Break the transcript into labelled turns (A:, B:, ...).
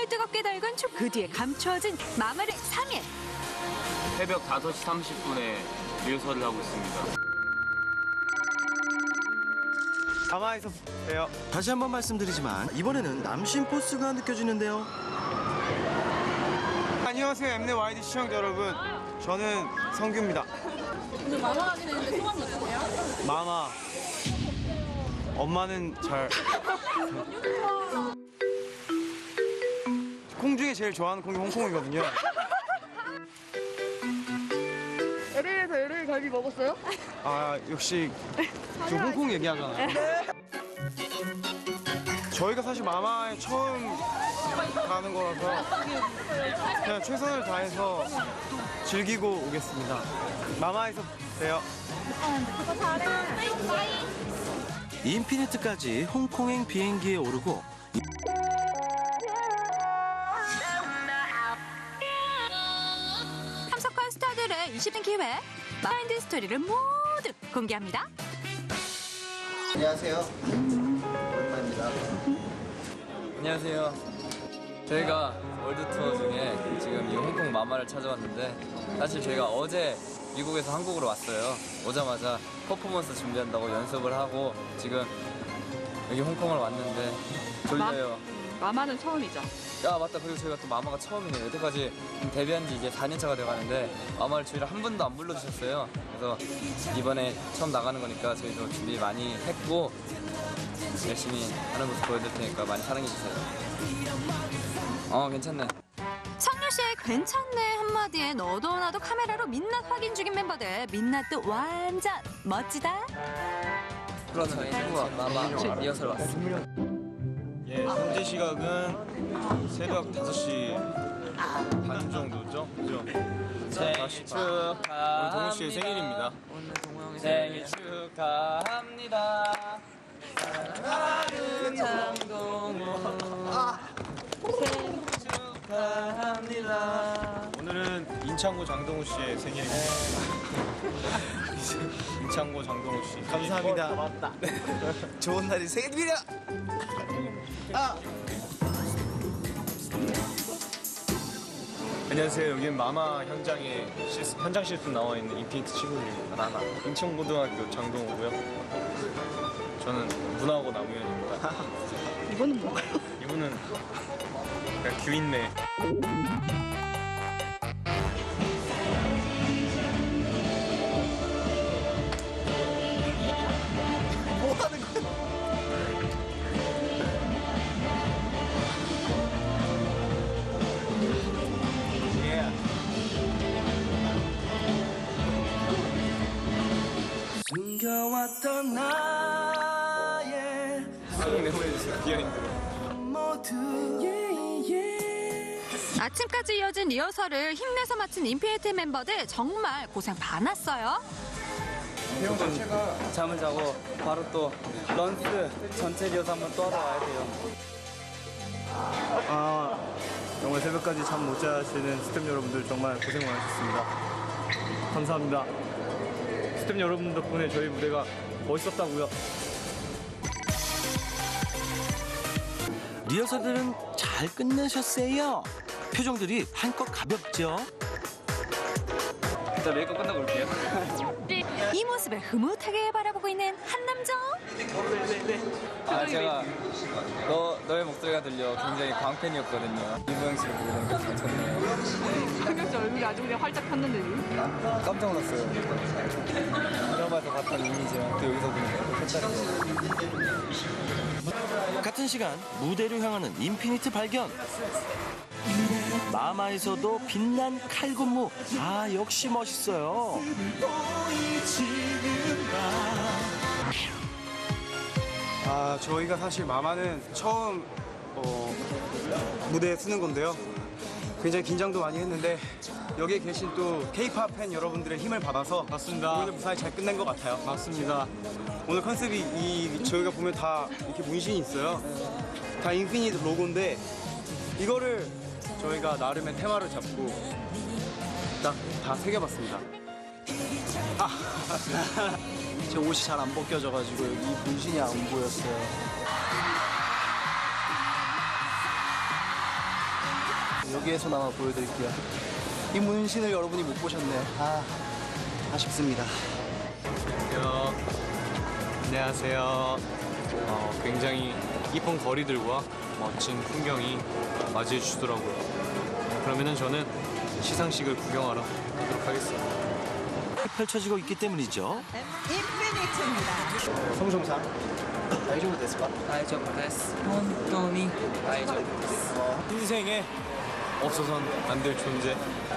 A: 정말 뜨겁게 달군 그 뒤에 감춰진 마마의 3일.
B: 새벽 5시 30분에 리허설을 하고 있습니다.
C: 마마에서 봬요.
D: 다시 한번 말씀드리지만 이번에는 남신 포스가 느껴지는데요.
C: 안녕하세요, 엠넷 YD 시청자 여러분. 저는 성규입니다.
E: 오늘 마마 하게 되는데 소감이 어떠세요?
C: 마마. 엄마는 잘. 콩 중에 제일 좋아하는 콩이 홍콩이거든요.
E: LA에서 LA 갈비 먹었어요?
C: 아, 역시 저 홍콩 얘기하잖아요. 저희가 사실 마마에 처음 가는 거라서 그냥 최선을 다해서 즐기고 오겠습니다. 마마에서 봬요.
D: 인피니트까지 홍콩행 비행기에 오르고
A: 참석한 스타들의 20년 기회, 마인드 스토리를 모두 공개합니다.
F: 안녕하세요. 오랜만입니다.
G: 안녕하세요. 저희가 월드 투어 중에 지금 이 홍콩 마마를 찾아왔는데 사실 저희가 어제 미국에서 한국으로 왔어요. 오자마자 퍼포먼스 준비한다고 연습을 하고 지금 여기 홍콩을 왔는데 졸려요.
E: 마마는 처음이죠.
G: 야 맞다. 그리고 저희가 또 마마가 처음이네요. 여태까지 데뷔한 지 이제 4년차가 돼가는데 마마를 저희를 한 번도 안 불러주셨어요. 그래서 이번에 처음 나가는 거니까 저희도 준비 많이 했고 열심히 하는 모습 보여드릴 테니까 많이 사랑해주세요. 괜찮네.
A: 성유 씨의 괜찮네 한마디에 너도 나도 카메라로 민낯 확인 중인 멤버들. 민낯도 완전 멋지다.
G: 그러면 저희는 마마 리허설 왔습니다.
C: 예, 현재 시각은 새벽 5시 반 정도죠? 그죠?
G: 생일 축하합니다.
C: 오늘 동훈 씨의 생일입니다.
G: 생일 축하합니다. 사랑하는 장동훈 생일 축하합니다.
C: 오늘은 인창고 장동우 씨의 생일입니다. 인창고 장동우 씨.
F: 감사합니다. 맞다. 좋은 날이 생일이라.
C: 안녕하세요. 여기는 마마 현장에 현장 실습 나와 있는 인피니트 친구들입니다. 나나. 인천고등학교 장동우고요. 저는 문화고 남우현입니다.
E: 이거는 뭔가요?
C: 이분은 그냥 규인네.
F: 뭐 하는 거야?
D: 숨겨왔던 나의
C: 수능 내보내주세요. 비하인드.
A: 아침까지 이어진 리허설을 힘내서 마친 인피니트 멤버들 정말 고생 많았어요.
G: 잠을 자고 바로 또 런스 전체 리허설 한번 또 하러 와야 돼요.
C: 정말 새벽까지 잠 못 자시는 스태프 여러분들 정말 고생 많으셨습니다. 감사합니다. 스태프 여러분 덕분에 저희 무대가 멋있었다고요.
D: 리허설들은 잘 끝내셨어요. 표정들이 한껏 가볍죠.
G: 일단 메이크업 끝나고 올게요.
A: 이 모습을 흐뭇하게 바라보고 있는 한 남자.
G: 제가 너의 목소리가 들려 굉장히 광팬이었거든요. 이보영 씨를 보고 너무 괜찮네요.
E: 성경 씨 얼굴이 아주 그냥 활짝 폈는데.
G: 깜짝 놀랐어요. 드라마에서 봤던 이미지랑 또 여기서 보니까 또 색다르네요.
D: 같은 시간 무대로 향하는 인피니트 발견. 마마에서도 빛난 칼군무. 역시 멋있어요.
C: 저희가 사실 마마는 처음 무대에 서는 건데요. 굉장히 긴장도 많이 했는데 여기에 계신 또 K-pop 팬 여러분들의 힘을 받아서 맞습니다. 오늘 무사히 잘 끝낸 것 같아요. 맞습니다. 오늘 컨셉이 저희가 보면 다 이렇게 문신이 있어요. 다 인피니트 로고인데 이거를 저희가 나름의 테마를 잡고 딱 다 새겨봤습니다.
F: 제 옷이 잘 안 벗겨져가지고 여기 문신이 안 보였어요. 여기에서나마 보여드릴게요. 이 문신을 여러분이 못 보셨네. 아쉽습니다.
H: 안녕하세요. 굉장히 이쁜 거리들과 멋진 풍경이 맞이해 주시더라고요. 그러면은 저는 시상식을 구경하러 가도록 하겠습니다.
D: 펼쳐지고 있기 때문이죠.
C: 성종상.
F: 다이조부 데스까?
C: 인생에 없어선 안 될 존재.